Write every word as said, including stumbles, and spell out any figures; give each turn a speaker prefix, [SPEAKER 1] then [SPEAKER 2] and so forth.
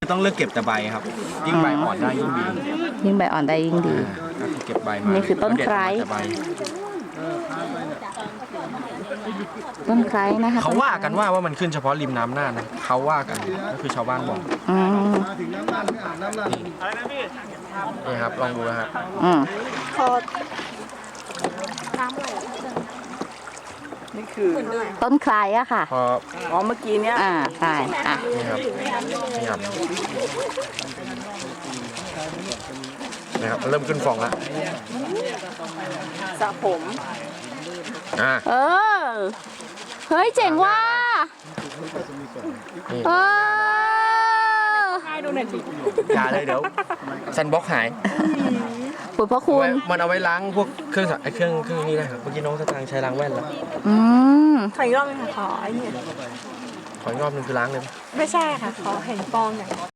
[SPEAKER 1] ต้องเลือกเก็บแต่ใบครับยิ่งใบอ่อนได้ยิ่งดี
[SPEAKER 2] ยิ่งใบอ่อนได้ยิ่งดี
[SPEAKER 1] ก็คือเก็บใบมา
[SPEAKER 2] นี่คือต้นไคร้
[SPEAKER 1] แล้วเด็ดมาแต่ใบ
[SPEAKER 2] ต้นไคร้นะคะ
[SPEAKER 1] เขาว่ากันว่าว่ามันขึ้นเฉพาะริมน้ำน่านนะเขาว่ากันก็คือชาวบ้านบอก
[SPEAKER 2] อืม
[SPEAKER 1] นี่ครับลองดูนะฮะ
[SPEAKER 2] อืม
[SPEAKER 3] นี่คือ
[SPEAKER 2] ต้นไคร้อะค่ะ
[SPEAKER 1] พอ
[SPEAKER 3] อ๋อเมื่อกี้เนี้ย
[SPEAKER 2] อ่าใช่อ่ะ
[SPEAKER 1] นี่ครับนี่ครับนี่ครับมันเริ่มขึ้นฟองแล้ว
[SPEAKER 3] สระผม
[SPEAKER 1] อ่า
[SPEAKER 2] เออเฮ้ยเจ๋งว่ะ
[SPEAKER 1] นี่
[SPEAKER 2] เออ
[SPEAKER 3] ให้ดูหน่อยสิ
[SPEAKER 1] อย่าเลยเดี๋ยวซันบ็อกหาย
[SPEAKER 2] ปุ๋ยพระคุณ
[SPEAKER 1] มันเอาไว้ล้างพวกเครื่องสักไอ้เครื่องเครื่องนี้นะครับเมื่อกี้น้องสตางค์ใช้ล้างแว่นแล้ว
[SPEAKER 2] อืม
[SPEAKER 3] ขออีกรอบนึงค่ะขอไอ้นี่
[SPEAKER 1] ขออีกรอบหนึงคือล้างเลย
[SPEAKER 3] ไม่ใช่ค่ะ ขอเห็นฟองหน่อย